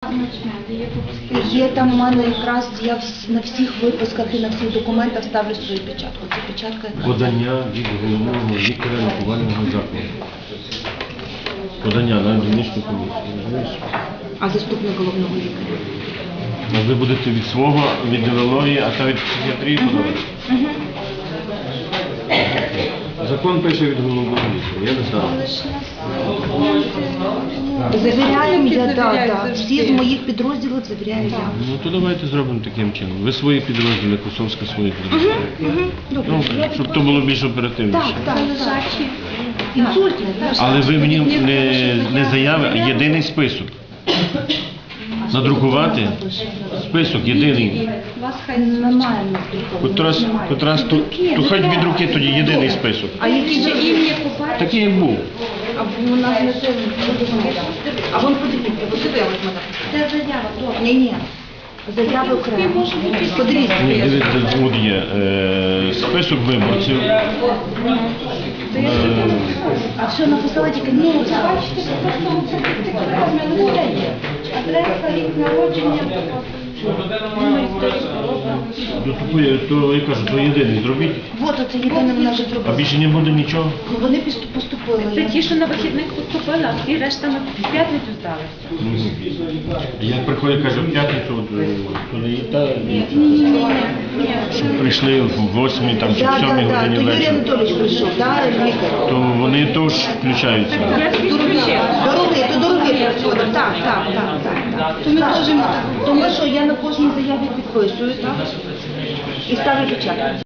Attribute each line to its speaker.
Speaker 1: Є там у мене якраз, я на всіх випусках і на всіх документах ставлю свою печатку. Це печатка.
Speaker 2: Подання від головного лікаря лікувального закладу. Подання на дільничну комісію.
Speaker 1: А заступник головного лікаря?
Speaker 2: А ви будете від свого, від неврології, а та від психіатрії подавати? Закон пише від головного лікаря, я не знаю.
Speaker 1: Завіряємо я, так. Всі з моїх підрозділів завіряю я.
Speaker 2: Ну то давайте зробимо таким чином. Ви свої підрозділи, Косовська свої підрозділи. Ну, щоб то було більш оперативніше.
Speaker 1: Так. Інсультне.
Speaker 2: Але ви мені не заяви, а єдиний список. Надрукувати список єдиний.
Speaker 1: Немає.
Speaker 2: То хоч від руки тоді єдиний список.
Speaker 1: А які же ім'я купати?
Speaker 2: Такий як був.
Speaker 1: А у нас не це. А вон подивіться, подивилась мене. Це заява. Ні. Заяви окремо. Подивіться.
Speaker 2: Ні, дивіться, тут є список виборців.
Speaker 1: А що написала тільки ні? Адреса, рік народження.
Speaker 2: То я кажу, то єдиний зробіть.
Speaker 1: Вот оце єдине вона вже
Speaker 2: А
Speaker 1: зробила.
Speaker 2: більше не буде нічого?
Speaker 1: Вони поступили.
Speaker 3: Це ті, що на вихідних поступили, а всі решта на п'ятницю здали.
Speaker 2: Як приходить, каже, в п'ятницю, то не є та, щоб прийшли в 8, там, чи в 7 годині
Speaker 1: То Юрій
Speaker 2: вечора,
Speaker 1: Анатолійович прийшов, лікар.
Speaker 2: то вони теж включаються.
Speaker 1: Дорогі приходять. Так. То ми теж, тому що я на кожній заяві підписую, так? І ставлю печатку.